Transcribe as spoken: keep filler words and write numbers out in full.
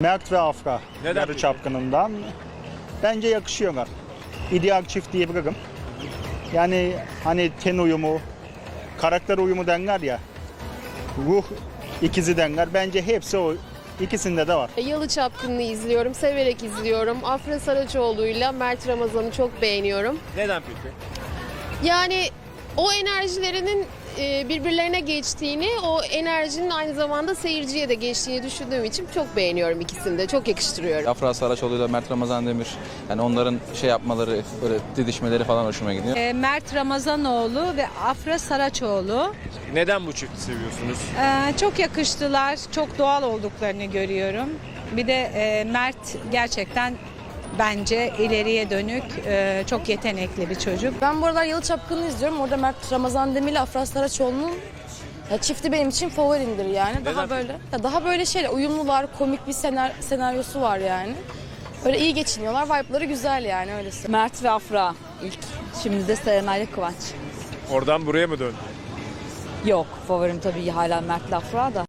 Mert ve Afra. Neden Yarı peki? Çapkını'ndan. Bence yakışıyorlar. İdeal çift diyebilirim. Yani hani ten uyumu, karakter uyumu denler ya. Ruh ikizi denler. Bence hepsi o ikisinde de var. Yalı Çapkını'nı izliyorum, severek izliyorum. Afra Saraçoğlu'yla Mert Ramazan'ı çok beğeniyorum. Neden peki? Yani o enerjilerinin e, birbirlerine geçtiğini, o enerjinin aynı zamanda seyirciye de geçtiğini düşündüğüm için çok beğeniyorum ikisini de. Çok yakıştırıyorum. Afra Saraçoğlu ile Mert Ramazan Demir, yani onların şey yapmaları, böyle didişmeleri falan hoşuma gidiyor. E, Mert Ramazanoğlu ve Afra Saraçoğlu. Neden bu çifti seviyorsunuz? E, çok yakıştılar, çok doğal olduklarını görüyorum. Bir de e, Mert gerçekten bence ileriye dönük, e, çok yetenekli bir çocuk. Ben bu aralar Yalı Çapkını'nı izliyorum. Orada Mert Ramazan Demir ile Afra Saraçoğlu'nun ya çifti benim için favorimdir yani. Daha Neden? böyle ya daha böyle şey uyumlular, komik bir senar, senaryosu var yani. Böyle iyi geçiniyorlar. Vibe'ları güzel yani öylesi. Mert ve Afra ilk. Şimdi de Serenay ile Kıvanç. Oradan buraya mı döndü? Yok, favorim tabii hala Mert ile Afra da.